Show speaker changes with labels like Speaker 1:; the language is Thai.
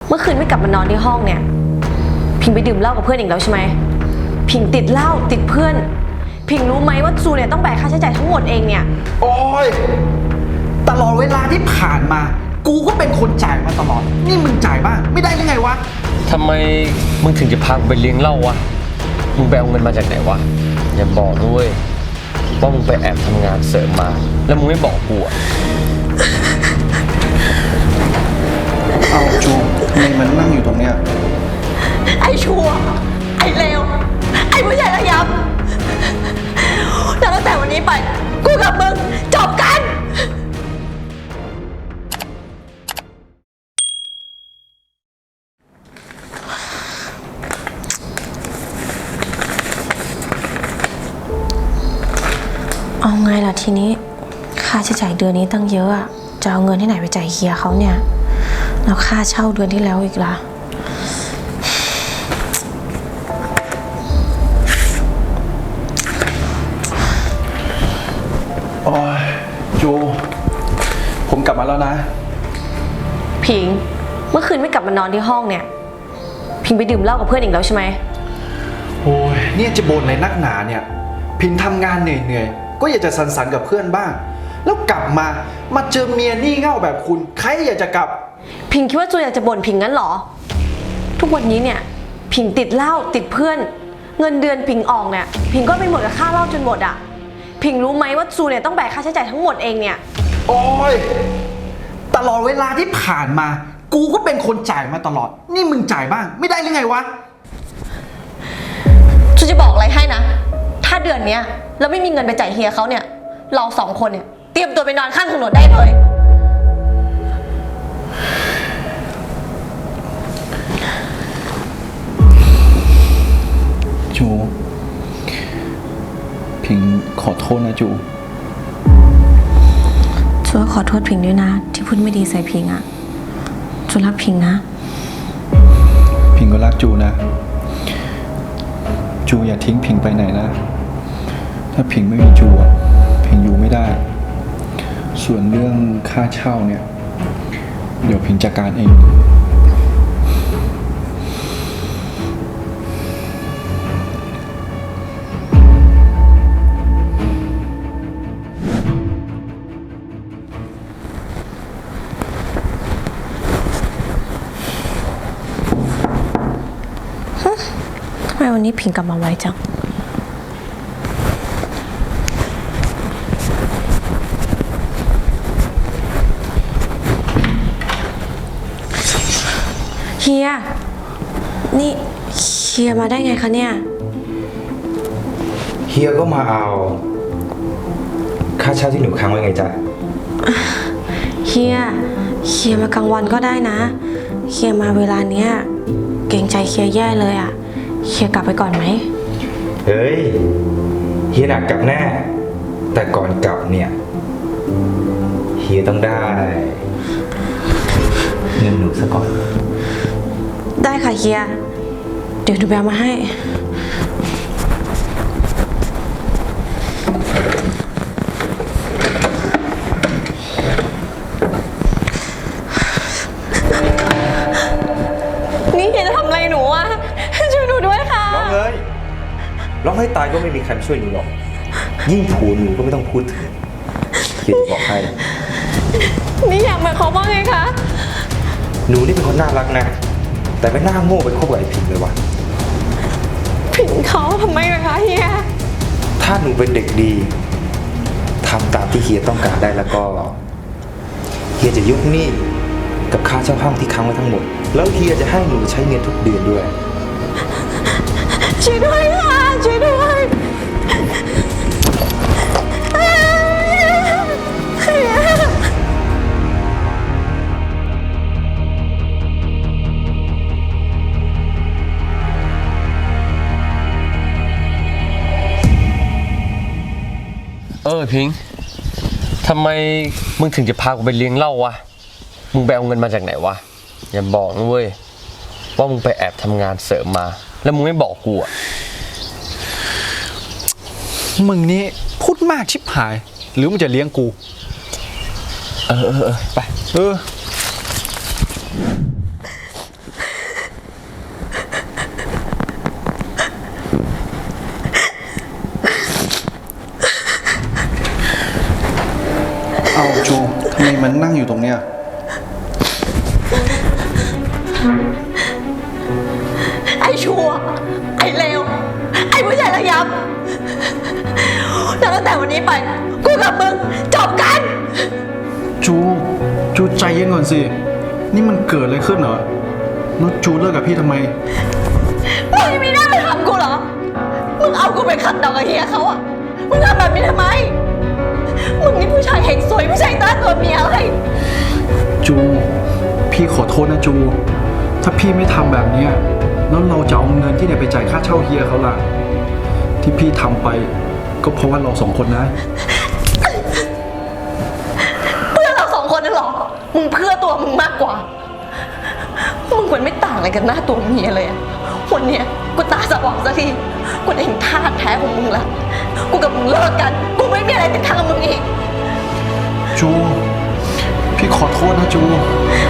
Speaker 1: เมื่อคืนไม่กลับมานอนที่ห้องเนี่ยพิงไปดื่มเหล้ากับเพื่อนอีกแล้วใช่ไหมพิงติดเหล้าติดเพื่อนพิงรู้ไหมว่าจูเนี่ยต้องแบกค่าใช้จ่ายทั้งหมดเองเนี่ย
Speaker 2: โอ้ยตลอดเวลาที่ผ่านมากูก็เป็นคนจ่ายมาตลอดนี่มึงจ่ายบ้างไม่ได้ยังไงวะ
Speaker 3: ทำไมมึงถึงจะพาไปเลี้ยงเหล้าวะมึงไปเอาเงินมาจากไหนวะอย่าบอกด้วยว่ามึงไปแอบทำงานเสริมมาแล้วมึงไม่บอกกูอะ
Speaker 2: เอาจูทำไมมันนั่งอยู่ตรงเนี้ย
Speaker 1: ไอ้ชั่วไอ้เลวไอ้ผู้ใหญ่ระยำแล้วตั้งแต่วันนี้ไปกูกับมึงจบกันเอาไงล่ะทีนี้ค่าใช้จ่ายเดือนนี้ตั้งเยอะอะจะเอาเงินที่ไหนไปจ่ายเฮียเขาเนี่ยแล้วค่าเช่าเดือนที่แล้วอีกล่ะ
Speaker 2: โอ้ยจูผมกลับมาแล้วนะ
Speaker 1: พิงเมื่อคืนไม่กลับมานอนที่ห้องเนี่ยพิงไปดื่มเหล้ากับเพื่อนอีกแล้วใช่ไหม
Speaker 2: โอ้ยเนี่ยจะบ่นอะไรนักหนาเนี่ยพิงทำงานเหนื่อยๆก็อยากจะสันๆกับเพื่อนบ้างแล้วกลับมาเจอเมียนี่เง่าแบบคุณใครอยากจะกลับ
Speaker 1: พิงคิดว่าจูอยากจะบ่นพิงงั้นเหรอทุกวันนี้เนี่ยพิงติดเหล้าติดเพื่อนเงินเดือนพิงออกเนี่ยพิงก็ไปหมดกับค่าเหล้าจนหมดอ่ะพิงรู้ไหมว่าจูเนี่ยต้องแบกค่าใช้จ่ายทั้งหมดเองเนี่ย
Speaker 2: โอ้ยตลอดเวลาที่ผ่านมากูก็เป็นคนจ่ายมาตลอดนี่มึงจ่ายบ้างไม่ได้หรือไงวะ
Speaker 1: จูจะบอกอะไรให้นะถ้าเดือนเนี้ยเราไม่มีเงินไปจ่ายเฮียเขาเนี่ยเราสองคนเนี่ยเตรียมตัวไปนอนข้างถนนได้เลย
Speaker 2: จูพิงขอโทษนะจู
Speaker 1: ขอโทษพิงด้วยนะที่พูดไม่ดีใส่พิงอ่ะจูรักพิงนะ
Speaker 2: พิงก็รักจูนะจูอย่าทิ้งพิงไปไหนนะถ้าพิงไม่มีจูพิงอยู่ไม่ได้ส่วนเรื่องค่าเช่าเนี่ยเดี๋ยวพิงจัดการเอง
Speaker 1: ทำไมวันนี้พิงกลับมาไวจังเฮียนี่เฮียมาได้ไงคะเนี่ย
Speaker 4: เฮียก็มาเอาค่าเช่าที่หนูค้างไว้ไงจ๊ะ
Speaker 1: เฮียมากลางวันก็ได้นะเฮียมาเวลาเนี้ยเกรงใจเฮียแย่เลยอ่ะเฮียกลับไปก่อนไหม
Speaker 4: เฮ้ยเฮียหนักกลับแน่แต่ก่อนกลับเนี่ยเฮียต้องได้เงินหนูซะก่อน
Speaker 1: ได้ค่ะเฮียเดี๋ยวหนูไปเอามาให้นี่เฮียจะทำอะไรหนูอ่ะช่วยหนูด้วยค่ะ
Speaker 4: ร้องเลยร้องให้ตายก็ไม่มีใครช่วยหนูหรอกยิ่งถูหนูก็ไม่ต้องพูดถึงเฮียจะบอกให้
Speaker 1: นี่อยากหมายความว่าไงคะ
Speaker 4: หนูนี่เป็นคนน่ารักนะแต่ไม่น่าโง่ไปคบกับไอ้พิงเลยวะ
Speaker 1: พิงเขาทำไมล่ะคะเฮีย
Speaker 4: ถ้าหนูเป็นเด็กดีทำตามที่เฮียต้องการได้แล้วก็เฮียจะยกหนี้กับค่าเช่าห้องที่ค้างไว้ทั้งหมดแล้วเฮียจะให้หนูใช้เงินทุกเดือนด้วย
Speaker 1: ช่วยด้วยค่ะช่วยด้วย
Speaker 3: พิงทำไมมึงถึงจะพากูไปเลี้ยงเหล้าวะมึงไปเอาเงินมาจากไหนวะอย่าบอกนะเว้ยว่ามึงไปแอบทำงานเสริมมาแล้วมึงไม่บอกกูอะ
Speaker 2: มึงนี่พูดมากชิบหายหรือมึงจะเลี้ยงกู
Speaker 3: ไป
Speaker 1: ไอ้ชั่ว ไอ้เลว ไอ้ผู้ชายระยำแล้วตั้งแต่วันนี้ไป กูกับมึงจบกัน
Speaker 2: จูใจเย็นก่อนสิ นี่มันเกิดอะไรขึ้นเหรอแล้วจูเลิกกับพี่ทำไม
Speaker 1: มึงยังมีหน้าไปทำกูเหรอ มึงเอากูไปขัดดอกกับเฮียเขาอะมึงทำแบบนี้ทำไม มึงนี่ผู้ชายเฮงสวยผู้ชายตาตัวเมียเลย
Speaker 2: จูพี่ขอโทษนะจู ถ้าพี่ไม่ทำแบบเนี้ยแล้วเราจะเอาเงินที่ไหนไปจ่ายค่าเช่าเฮียเขาล่ะ ที่พี่ทำไปก็เพราะว่าเราสองคนนะ
Speaker 1: เพื่อเราสองคนนั่นหรอ มึงเพื่อตัวมึงมากกว่า มึงมันไม่ต่างอะไรกันหน้าตัวเมียเลยอะวันเนี้ยกูตาสว่างสักที กูได้เห็นท่าแท้ของมึงละกูกับมึงเลิกกัน กูไม่มีอะไรติดทางกับมึงอีก
Speaker 2: จูพี่ขอโทษนะจู